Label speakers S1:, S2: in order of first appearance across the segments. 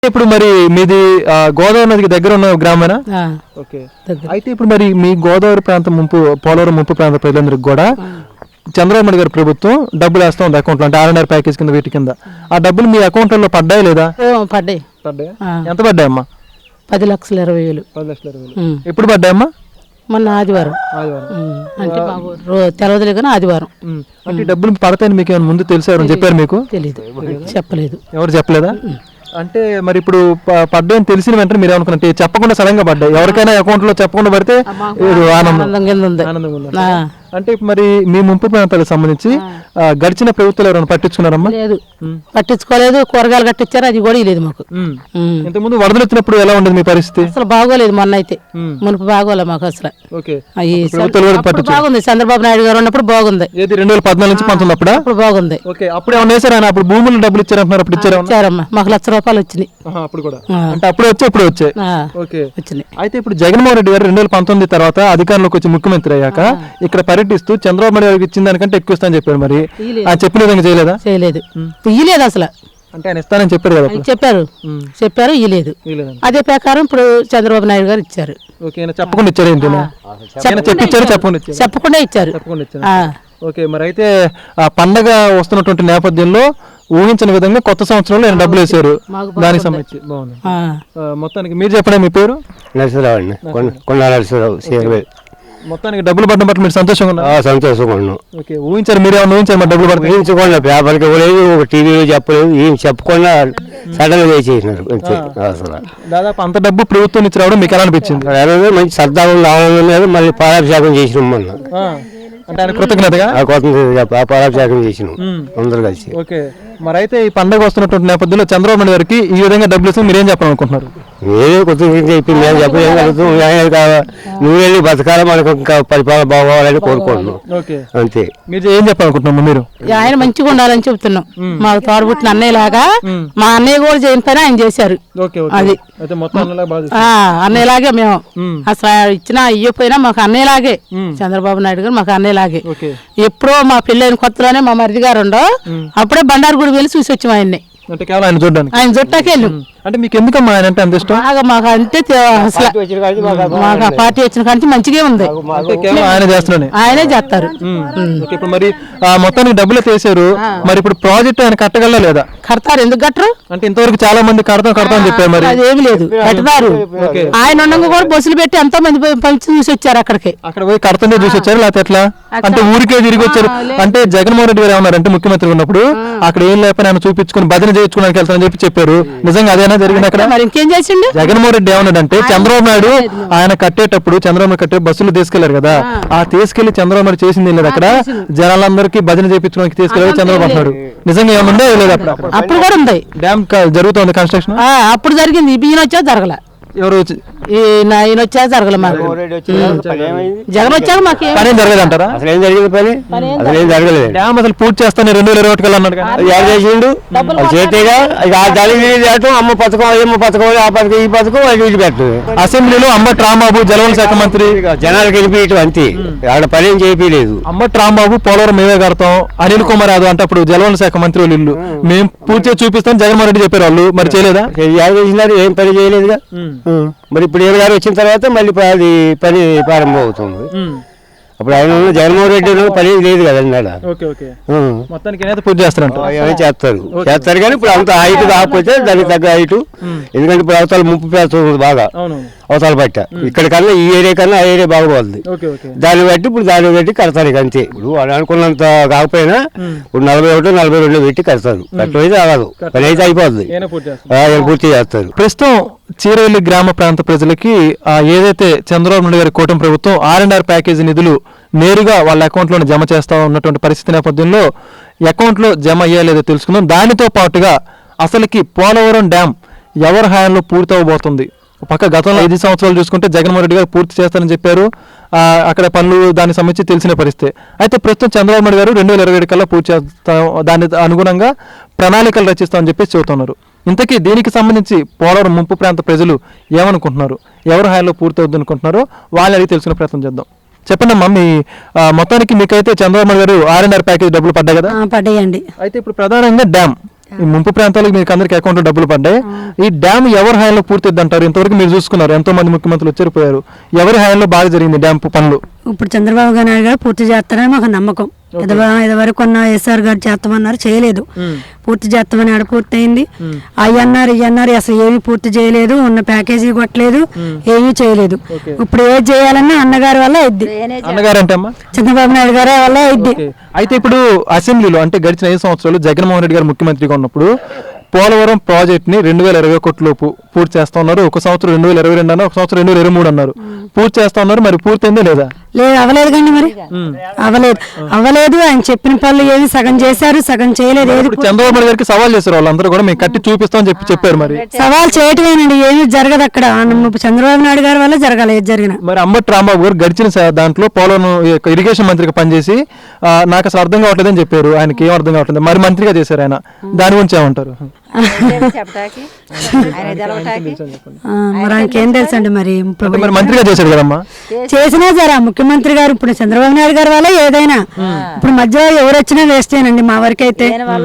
S1: ఇప్పుడు మరి మీది గోదావరి నదికి దగ్గర ఉన్న గ్రామేనా? ఓకే. అయితే ఇప్పుడు మరి మీ గోదావరి ప్రాంతం ముంపు, పోలవరం ముంపు ప్రాంత ప్రజలందరికీ కూడా చంద్రబాబు నాయుడు గారి ప్రభుత్వం డబ్బులు వేస్తా ఉంది అకౌంట్లో, అంటే ఆర్ఎన్ఆర్ ప్యాకేజ్ కింద వీటి కింద. ఆ డబ్బులు మీ అకౌంట్లలో పడ్డాయి లేదా?
S2: పడ్డాయి.
S1: ఎంత పడ్డాయమ్మా?
S2: 10,20,000.
S1: 10,20,000. ఎప్పుడు పడ్డాయమ్మా?
S2: మొన్న ఆదివారం. అంటే తెలవదులే కానీ ఆదివారం.
S1: అంటే డబ్బులు పడతాయని మీకు ఏమైనా ముందు తెలిసారని చెప్పారు? మీకు
S2: తెలీదు, చెప్పలేదు.
S1: ఎవరు చెప్పలేదా? అంటే మరి ఇప్పుడు పడ్డాయని తెలిసిన వెంటనే మీరు ఏమనుకున్నట్టు చెప్పకుండా సడన్ గా పడ్డాయి? ఎవరికైనా అకౌంట్ లో చెప్పకుండా పడితే ఆనందం. అంటే మరి మీ ముంపు ప్రాంతాలకు సంబంధించి గడిచిన ప్రభుత్వాలు ఎవరైనా పట్టించుకున్నారమ్మా?
S2: లేదు, పట్టించుకోలేదు. కూరగాయలు కట్టించారు, అది కూడా లేదు మాకు.
S1: ఇంతకుముందు వరదలు వచ్చినప్పుడు ఎలా ఉండేది మీ పరిస్థితి?
S2: అసలు బాగోలేదు. మొన్న అయితే మునుపు బాగోలే మాకు అసలు. బాగుంది. చంద్రబాబు నాయుడు గారు ఉన్నప్పుడు బాగుంది.
S1: 2014 నుంచి 19 అప్పుడు
S2: బాగుంది.
S1: అప్పుడు ఏమన్నా వేసారు ఆయన? అప్పుడు భూములు డబ్బులు ఇచ్చారంటున్నారు, అప్పుడు
S2: ఇచ్చారమ్మా. మాకు ₹1,00,000 వచ్చినాయి
S1: అప్పుడు కూడా. అంటే అప్పుడు వచ్చాయి, ఇప్పుడు వచ్చాయి.
S2: వచ్చినాయి.
S1: అయితే ఇప్పుడు జగన్మోహన్ రెడ్డి గారు 2019 తర్వాత అధికారంలోకి వచ్చి ముఖ్యమంత్రి అయ్యాక ఇక్కడ పర్యటిస్తూ చంద్రబాబు నాయుడు గారికి ఇచ్చిన దానికంటే ఎక్కువ ఇస్తానని చెప్పారు. మరి ఆయన చెప్పిన విధంగా చేయలేదా?
S2: చేయలేదు, ఇయ్యలేదు అసలు.
S1: అంటే ఆయన ఇస్తానని చెప్పారు కదా?
S2: చెప్పారు, ఇయ్యలేదు. అదే ప్రకారం ఇప్పుడు చంద్రబాబు నాయుడు గారు ఇచ్చారు.
S1: చెప్పకుండా ఇచ్చారు ఏంటి?
S2: చెప్పకుండా ఇచ్చారు.
S1: ఓకే. మరి అయితే ఆ పండగ వస్తున్నటువంటి నేపథ్యంలో ఊహించిన విధంగా కొత్త సంవత్సరంలో ఆయన డబ్బులు వేశారు. దానికి సంబంధించి బాగుంది. మొత్తానికి మీరు చెప్పండి, మీ పేరు?
S3: నరసింహరావు అండి, కొండ నరసింహరావు.
S1: మొత్తానికి డబ్బులు పడ్డం పట్ల మీరు సంతోషంగా ఉన్నారు?
S3: సంతోషంగా ఉన్నాం.
S1: ఓకే. ఊహించారు? మీరు ఏమన్నా ఊహించారు మరి డబ్బులు పడతాయి?
S3: ఊహించకుండా, పేపర్కి ఇవ్వలేదు, టీవీలో చెప్పలేదు, ఏం చెప్పకుండా సడన్ గా చేసినారు.
S1: దాదాపు అంత డబ్బు ప్రభుత్వం నుంచి రావడం మీకు ఎలా అనిపించింది?
S3: మంచి సర్దాలు ఆనందం మీద మళ్ళీ పాలాభిషేకం చేసినాం మొన్న.
S1: అంటే ఆయన కృతజ్ఞతగా
S3: పాలాభిషేకం చేసినాం అందరు కలిసి.
S1: ఓకే. మరి అయితే ఈ పండుగ వస్తున్నటువంటి నేపథ్యంలో చంద్రబాబు నాయుడు గారికి ఈ విధంగా డబ్బులు ఇస్తే మీరేం చెప్పాలనుకుంటున్నారు?
S3: నేనే కృతజ్ఞత చెప్పి మేము చెప్పలేం కలుగుతాం. నువ్వు వెళ్ళి బతకాల మనకు ఇంకా పరిపాలన బాగోవాలని కోరుకుంటున్నాం. అంతే.
S1: మీరు ఏం చెప్పాలనుకుంటున్నాం? మీరు
S2: ఆయన మంచిగా ఉండాలని చెప్తున్నాం. మాకు తోడబుట్టిన అన్నయ్య లాగా, మా అన్నయ్య కూడా చేయని పని ఆయన చేశారు. అది అన్నయ్యలాగే మేము అసలు ఇచ్చినా ఇయ్యపోయినా మాకు అన్నయ్యలాగే. చంద్రబాబు నాయుడు గారు మాకు అన్నయ్యలాగే. ఎప్పుడో మా పెళ్ళైన కొత్తలోనే మా మరిది గారు ఉండో అప్పుడే బండారు గుడి వెళ్ళి చూసి వచ్చాం ఆయన్ని.
S1: అంటే కేవలం ఆయన చూడడానికి?
S2: ఆయన చుట్టాకి వెళ్ళాం.
S1: అంటే మీకు ఎందుకమ్మా ఆయన అంటే అంత ఇష్టం?
S2: మాకు అంటే మాకు ఆ పార్టీ వచ్చిన కానీ మంచిగా ఉంది.
S1: ఆయన చేస్తున్నాడు,
S2: ఆయనే చేస్తారు.
S1: ఇప్పుడు మరి మొత్తానికి డబ్బులు తీసారు, మరి ఇప్పుడు ప్రాజెక్ట్ ఆయన కట్టగల లేదా?
S2: కడతారు. ఎందుకు కట్టరు? అంటే
S1: ఇంతవరకు చాలా మంది కడతాం అని చెప్పారు. మరి
S2: అదేమి లేదు, కడతారు. ఆయన ఉండగా కూడా బస్సులు పెట్టి ఎంతో మంది పంచి చూసి వచ్చారు. అక్కడ
S1: పోయి కడతందే చూసి వచ్చారు, లేకపోతే ఎట్లా? అంటే ఊరికే తిరిగి వచ్చారు? అంటే జగన్మోహన్ రెడ్డి గారు ఏమన్నారంటే ముఖ్యమంత్రి ఉన్నప్పుడు అక్కడ ఏం లేకపోయినా ఆయన చూపించుకుని భజన చేయించుకోవడానికి వెళ్తానని చెప్పారు. నిజంగా అదేనా జరిగింది అక్కడ?
S2: మరి ఇంకేం చేసిండు
S1: జగన్మోహన్ రెడ్డి? ఏమన్నాడంటే చంద్రబాబు నాయుడు ఆయన కట్టేటప్పుడు చంద్రబాబు కట్టే బస్సులు తీసుకెళ్లారు కదా, ఆ తీసుకెళ్లి చంద్రబాబు నాయుడు చేసింది లేదు అక్కడ, జనాలందరికీ భజన చేయించుకోవడానికి తీసుకెళ్ళి చంద్రబాబు అంటున్నాడు. నిజంగా ఏమన్నా లేదు అప్పుడు?
S2: అప్పుడు కూడా ఉంది.
S1: డ్యామ్ జరుగుతుంది కన్స్ట్రక్షన్.
S2: అప్పుడు జరిగింది, ఈయన వచ్చా జరగల.
S1: ఎవరు
S2: ఈయన వచ్చా జరగల. మాకు జగన్ వచ్చాక మాకు
S1: పని జరగదు అంటారా?
S3: అసలు ఏం జరిగింది? పని అసలు ఏం జరగలేదు.
S1: డ్యామ్ అసలు పూర్తి చేస్తాను 2021 కల్లా అన్నాడు.
S3: చేసిండు చేతేగా అమ్మ పథకం, ఏమో పథకం, ఆ పథకం, ఈ పథకం అది పెట్టదు.
S1: అసెంబ్లీలో అంబటి రాంబాబు జలవనరుల శాఖ మంత్రి
S3: జనాలకు వెళ్ళిపోయటం అంతే, ఆడ పని ఏం చేయలేదు.
S1: అంబటి రాంబాబు పోలవరం మేమే కడతాం, అనిల్ కుమార్ యాదవ్ అంటే అప్పుడు జలవనరుల శాఖ మంత్రి వాళ్ళు ఇల్లు మేము పూర్తిగా చూపిస్తాం జగన్మోహన్ రెడ్డి చెప్పారు. వాళ్ళు మరి చేయలేదా?
S3: చేసినారు, ఏం పని చేయలేదుగా. మరి ఇప్పుడు ఏ గారు వచ్చిన తర్వాత మళ్ళీ అది పని ప్రారంభం అవుతుంది. అప్పుడు ఆయన జగన్మోహన్ రెడ్డి పని లేదు కదండి.
S1: మొత్తానికి పూర్తి
S3: చేస్తారు కానీ ఇప్పుడు అంత హైట్ కాకపోతే దానికి తగ్గ హైట్. ఎందుకంటే ఇప్పుడు అవతల ముంపు పేస్తుంది బాగా, అవతల పట్ట. ఇక్కడ కన్నా ఈ ఏరియా కన్నా ఆ ఏరియా బాగుపోతుంది. దాన్ని బట్టి ఇప్పుడు దాన్ని బట్టి కడతారు. ఇక అంతే. ఇప్పుడు వాళ్ళు అనుకున్నంత కాకపోయినా ఇప్పుడు 41, 42 పెట్టి కడతారు. కట్టయితే అవ్వదు, పని అయితే అయిపోతుంది, పూర్తి చేస్తారు.
S1: ప్రస్తుతం చీరవెల్లి గ్రామ ప్రాంత ప్రజలకి ఏదైతే చంద్రబాబు నాయుడు గారి కూటమి ప్రభుత్వం ఆర్ఎన్ఆర్ ప్యాకేజీ నిధులు నేరుగా వాళ్ళ అకౌంట్లోనే జమ చేస్తా ఉన్నటువంటి పరిస్థితి నేపథ్యంలో అకౌంట్లో జమ అయ్యేలేదో తెలుసుకుందాం. దానితో పాటుగా అసలుకి పోలవరం డ్యామ్ ఎవరి హయాంలో పూర్తి అవ్వబోతుంది? పక్క గతంలో 5 సంవత్సరాలు చూసుకుంటే జగన్మోహన్ రెడ్డి గారు పూర్తి చేస్తారని చెప్పారు. అక్కడ పనులు దానికి సంబంధించి తెలిసిన పరిస్థితి. అయితే ప్రస్తుతం చంద్రబాబు నాయుడు గారు 2027 కల్లా పూర్తి చేస్తాం, దాని అనుగుణంగా ప్రణాళికలు రచిస్తామని చెప్పేసి చెబుతున్నారు. ఇంతకీ దీనికి సంబంధించి పోలవరం ముంపు ప్రాంత ప్రజలు ఏమనుకుంటున్నారు, ఎవరి హాయిలో పూర్తి అవుద్ది అనుకుంటున్నారో వాళ్ళని అడిగి తెలుసుకునే ప్రయత్నం చేద్దాం. చెప్పండి అమ్మా, మీ మొత్తానికి మీకైతే చంద్రబాబు గారు ఆర్ఎన్ఆర్ ప్యాకేజ్ డబ్బులు పడ్డాయి కదా?
S2: పడ్డాయండి.
S1: అయితే ఇప్పుడు ప్రధానంగా డ్యామ్ ఈ ముంపు ప్రాంతాలకు మీకు అందరికి అకౌంట్లో డబ్బులు పడ్డాయి. ఈ డ్యామ్ ఎవరి హాయంలో పూర్తిద్ది అంటారు? ఇంతవరకు మీరు చూసుకున్నారు, ఎంతో మంది ముఖ్యమంత్రులు వచ్చారు. ఎవరి హాయంలో బాగా జరిగింది డ్యామ్ పనులు?
S4: ఇప్పుడు చంద్రబాబు నాయుడు గారు పూర్తి చేస్తారని మాకు నమ్మకం. ఇదివరకు కొన్న ఎస్ఆర్ గారు చేస్తామన్నారు, చేయలేదు. పూర్తి చేస్తామని ఆడ పూర్తి అయింది. అయ్యన్నారు ఇయ్యన్నారు, అసలు ఏమీ పూర్తి చేయలేదు. ఉన్న ప్యాకేజీ కొట్టలేదు, ఏమీ చేయలేదు. ఇప్పుడు ఏది చేయాలన్నా అన్నగారి వల్ల ఇద్ది.
S1: అన్నగారు అంటే అమ్మా
S4: చంద్రబాబు నాయుడు గారి వల్ల ఇద్ది.
S1: అయితే ఇప్పుడు అసెంబ్లీలో అంటే గడిచిన 5 సంవత్సరాలు జగన్మోహన్ రెడ్డి గారు ముఖ్యమంత్రిగా ఉన్నప్పుడు పోలవరం ప్రాజెక్ట్ని 2020 కోట్లలోపు పూర్తి చేస్తా ఉన్నారు. ఒక సంవత్సరం 2022 అన్నారు, ఒక సంవత్సరం 2023 అన్నారు. పూర్తి చేస్తా ఉన్నారు, మరి పూర్తయిందే లేదా?
S4: లేదు, అవ్వలేదు కండి. మరి అవ్వలేదు. ఆయన చెప్పిన పనులు ఏమి సగం చేశారు, సగం చేయలేదు. ఏది
S1: చంద్రబాబు నాయుడు గారికి సవాల్ చేశారు వాళ్ళందరూ కూడా, మేము కట్టి చూపిస్తామని చెప్పారు. మరి
S4: సవాల్ చేయటమేనండి, ఏమి జరగదు అక్కడ. చంద్రబాబు నాయుడు గారి వల్ల జరగాలి ఏది జరిగిన.
S1: మరి అంబటి రాంబాబు గారు గడిచిన దాంట్లో పోలవరం ఇరిగేషన్ మంత్రిగా పనిచేసి నాకు అసలు అర్థం కావట్లేదని చెప్పారు. ఆయనకి ఏం అర్థం కావట్లేదు, మరి మంత్రిగా చేశారు ఆయన. దాని గురించి ఏమంటారు?
S4: మరి ఆయనకేం తెలుసు అండి. మరి
S1: మంత్రిగా చేశాడు కదమ్మా.
S4: చేసినా సరే ముఖ్యమంత్రి గారు ఇప్పుడు చంద్రబాబు నాయుడు గారి వల్ల ఏదైనా. ఇప్పుడు మధ్యలో ఎవరు వచ్చినా వేస్తేనండి మా వరకు అయితే.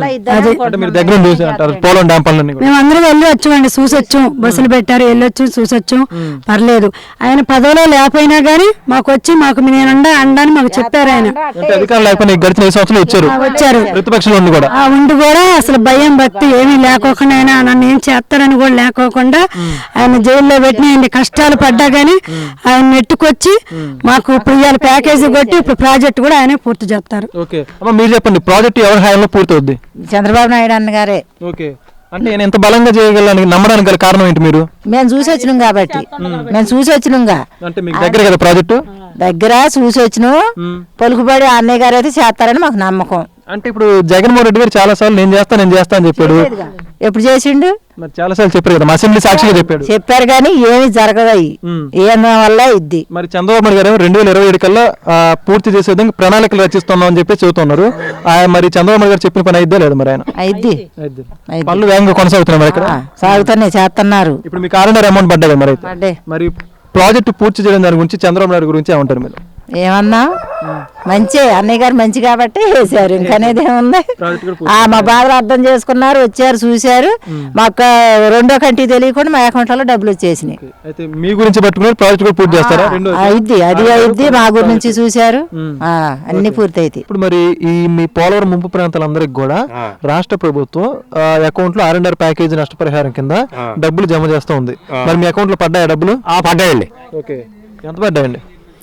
S1: పోలవరం డ్యామ్ పనులు
S4: మేము అందరం వెళ్ళి వచ్చామండి, చూసొచ్చు. బస్సులు పెట్టారు, వెళ్ళొచ్చు, చూసొచ్చు. పర్లేదు. ఆయన పదవిలో లేకపోయినా గానీ మాకు వచ్చి నేను అండాన్ని మాకు చెప్పారు. ఆయన
S1: అధికారం లేకపోయినా గడిచిన 5 సంవత్సరాలు వచ్చారు. ప్రతిపక్షంలో ఉండి కూడా అసలు
S4: భయం భక్తి ఏమీ లేకోకుండా, ఆయన నన్ను ఏం చేస్తారని కూడా లేకోకుండా ఆయన జైల్లో పెట్టిన కష్టాలు పడ్డా గానీ ఆయన నెట్టుకొచ్చి మాకు ఇప్పుడు ఇవాళ ప్యాకేజీ కొట్టి ఇప్పుడు ప్రాజెక్ట్ కూడా ఆయనే పూర్తి చేస్తారు.
S1: మీరు చెప్పండి, ప్రాజెక్ట్ ఎవరి హాయంలో పూర్తి అవుద్ది?
S2: చంద్రబాబు నాయుడు అన్నగారే.
S1: అంటే నేను ఎంత బలంగా చేయగలను నమ్మడానికి గల కారణం ఏంటి? మీరు
S2: మేము చూసి వచ్చినాం కాబట్టి. మేము చూసి వచ్చినాంగా.
S1: అంటే మీకు దగ్గర కదా ప్రాజెక్టు?
S2: దగ్గర చూసి వచ్చినాం. పలుకుబడి అన్నయ్య గారు అయితే చేస్తారని మాకు నమ్మకం.
S1: అంటే ఇప్పుడు జగన్మోహన్ రెడ్డి గారు చాలా సార్లు నేను చేస్తా అని చెప్పాడు.
S2: ఎప్పుడు చేసిండు?
S1: మరి చాలా సార్లు చెప్పారు కదా, అసెంబ్లీ సాక్షిగా
S2: చెప్పారు కానీ ఏమి జరగదు. ఏం వల్ల ఇద్ది.
S1: మరి చంద్రబాబు నాయుడు గారు 2027 కల్లా పూర్తి చేసే విధంగా ప్రణాళికలు రచిస్తున్నాం అని చెప్పి చెబుతున్నారు. మరి చంద్రబాబు నాయుడు గారు చెప్పిన పని అయిద్దా లేదు? మరి ఆయన పనులు వేగంగా కొనసాగుతున్నాయి. మరి ఇక్కడ
S2: సాగుతున్నాయి, చేస్తున్నారు.
S1: ఇప్పుడు మీకు 6.5 అమౌంట్ పడ్డా కదా? మరి ప్రాజెక్టు పూర్తి చేయడం దాని గురించి చంద్రబాబు నాయుడు గురించి ఏమంటారు మీరు?
S2: ఏమన్నా మంచి అన్నయ్య గారు మంచి కాబట్టి వేసారు. ఇంకనేది ఏముంది? మా బాధలు అర్థం చేసుకున్నారు, వచ్చారు, చూశారు. మాకు రెండో కంటి తెలియకుండా మా అకౌంట్లో డబ్బులు వచ్చేసినాయి.
S1: మీ గురించి పట్టుకున్నారు, ప్రాజెక్ట్ కూడా పూర్తి చేస్తారా?
S2: అయిద్ది మా గురించి చూశారు, అన్ని పూర్తి అయితే.
S1: ఇప్పుడు మరి ఈ మీ పోలవరం ముంపు ప్రాంతాలందరికి కూడా రాష్ట్ర ప్రభుత్వం అకౌంట్ లో 6.5 ప్యాకేజీ నష్టపరిహారం కింద డబ్బులు జమ చేస్తూ ఉంది. మరి మీ అకౌంట్ లో పడ్డాయా డబ్బులు?
S3: పడ్డాయండి.
S1: ఎంత పడ్డాయండి?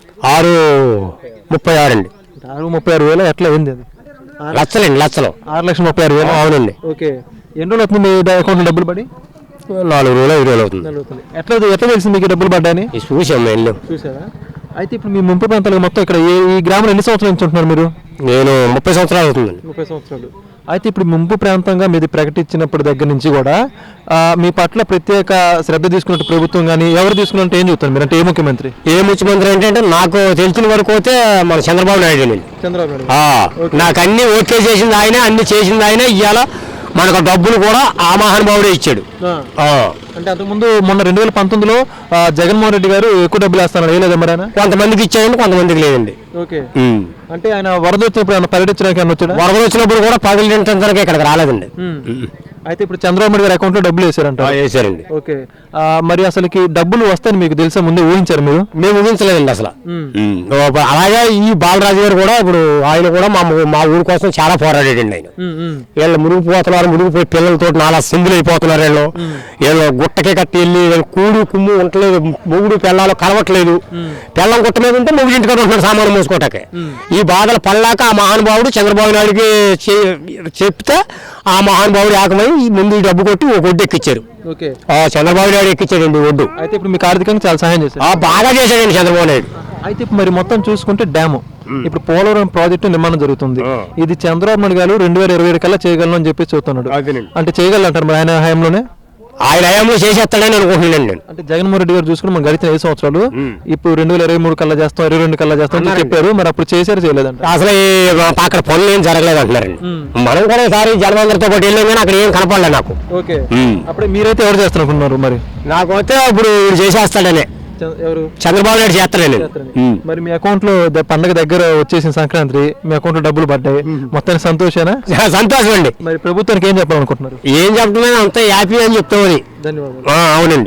S3: 636 అండి.
S1: 636,000 ఎట్లా అయింది? అది
S3: లక్షలండి, లక్షలు.
S1: 6,36,000.
S3: అవునండి.
S1: ఎన్ని రోజులు అవుతుంది మీ అకౌంట్ లో డబ్బులు పడి?
S3: 4 రోజులు 5 రోజులు అవుతుంది.
S1: ఎట్లా తెలిసింది మీకు డబ్బులు పడ్డాయని?
S3: చూసారా?
S1: అయితే ఇప్పుడు మీ ముంపు ప్రాంతాలకు మొత్తం ఇక్కడ ఈ గ్రామంలో ఎన్ని సంవత్సరాల నుంచి ఉంటున్నారు మీరు?
S3: నేను 30 సంవత్సరాలు అవుతుందండి.
S1: 30 సంవత్సరాలు. అయితే ఇప్పుడు ముంపు ప్రాంతంగా మీది ప్రకటించినప్పటి దగ్గర నుంచి కూడా మీ పట్ల ప్రత్యేక శ్రద్ధ తీసుకున్నట్టు ప్రభుత్వం కానీ ఎవరు తీసుకున్నట్టు ఏం చెప్తారు మీరు? అంటే ఏ ముఖ్యమంత్రి
S3: ఏంటంటే నాకు తెలిసిన వరకు అయితే మన చంద్రబాబు నాయుడు. నాకు అన్ని ఓకే చేసింది ఆయన, అన్ని చేసింది ఆయన. ఇవాళ మనకు డబ్బులు కూడా ఆ మహానుభావుడే ఇచ్చాడు.
S1: అంటే అంతకుముందు మొన్న 2019లో జగన్మోహన్ రెడ్డి గారు ఎక్కువ డబ్బులు వేస్తాను వేయలేదు మరి ఆయన?
S3: కొంతమందికి ఇచ్చాడండి, కొంతమందికి లేదండి.
S1: అంటే ఆయన వరద వచ్చినప్పుడు ఆయన పర్యటించడానికి వచ్చాడు.
S3: వరద వచ్చినప్పుడు కూడా పర్యటించడానికి ఇక్కడికి రాలేదండి.
S1: అయితే ఇప్పుడు చంద్రబాబు నాయుడు గారి అకౌంట్ లో డబ్బులు వేసారండి. ఓకే, మరి అసలుకి డబ్బులు వస్తాయని మీకు తెలుసా? ముందే ఊహించారు మీరు?
S3: మేము ఊహించలేదండి అసలు. అలాగే ఈ బాలరాజు గారు కూడా ఇప్పుడు ఆయన కూడా మా ఊరి కోసం చాలా పోరాడాడండి. ఆయన వీళ్ళు మునిగిపోతున్నారు, మునిగిపోయి పిల్లలతో నాలా సింగిల్ అయిపోతున్నారు. వీళ్ళు గుట్టకే కట్టి వెళ్ళి కూడు కుమ్ము ఉండలేదు, మొగుడు పిల్లలు కలవట్లేదు. పిల్లం గుట్ట మీద ఉంటే మొగుడు ఇంటికి ఉంటున్నాడు సామాను మోసుకోవటానికి. ఈ బాధలు పడలేక ఆ మహానుభావుడు చంద్రబాబు నాయుడికి చెప్తే ఆ మహానుభావుడు ఏకమై ముందు ఈ డబ్బు కొట్టి ఒక ఒడ్డు ఎక్కించారు. చంద్రబాబు నాయుడు ఎక్కించాడండి ఒడ్డు.
S1: అయితే ఇప్పుడు మీకు ఆర్థికంగా చాలా సహాయం చేశారు.
S3: బాగా చేశాడండి చంద్రబాబు నాయుడు.
S1: అయితే ఇప్పుడు మరి మొత్తం చూసుకుంటే డ్యాము ఇప్పుడు పోలవరం ప్రాజెక్టు నిర్మాణం జరుగుతుంది. ఇది చంద్రబాబు నాయుడు గారు 2027 కల్లా చేయగలను అని చెప్పి చెబుతున్నాడు. అంటే చేయగలంటారు మరి ఆయన హయాంలోనే?
S3: ఆయన హయాంలో చేసేస్తాడని అనుకుంటున్నాను నేను.
S1: అంటే జగన్మోహన్ రెడ్డి గారు చూసుకుని మనం గడిచిన 5 సంవత్సరాలు ఇప్పుడు 2023 కల్లా చేస్తాం, 22 కల్లా చేస్తాం అని చెప్పారు. మరి అప్పుడు చేశారు చేయలేదంట?
S3: అసలు అక్కడ పనులు ఏం జరగలేదు అంటున్నారండి. మనం కూడా ఈసారి జలమందరితో పాటు వెళ్ళాం కానీ అక్కడ ఏం కనపడలేదు నాకు.
S1: ఓకే, అప్పుడు మీరైతే ఎవరు చేస్తున్నారు మరి?
S3: నాకు అయితే ఇప్పుడు చేసేస్తాడనే
S1: ఎవరు?
S3: చంద్రబాబు నాయుడు చేస్తారండి.
S1: మరి మీ అకౌంట్ లో పండగ దగ్గర వచ్చేసిన సంక్రాంతి మీ అకౌంట్ లో డబ్బులు పడ్డాయి, మొత్తానికి సంతోషేనా?
S3: సంతోషం అండి.
S1: మరి ప్రభుత్వానికి ఏం చెప్పాలనుకుంటున్నారు?
S3: ఏం చెప్తున్నాను అంత హ్యాపీ అని చెప్తామని.
S1: ధన్యవాదాలు.
S3: అవునండి.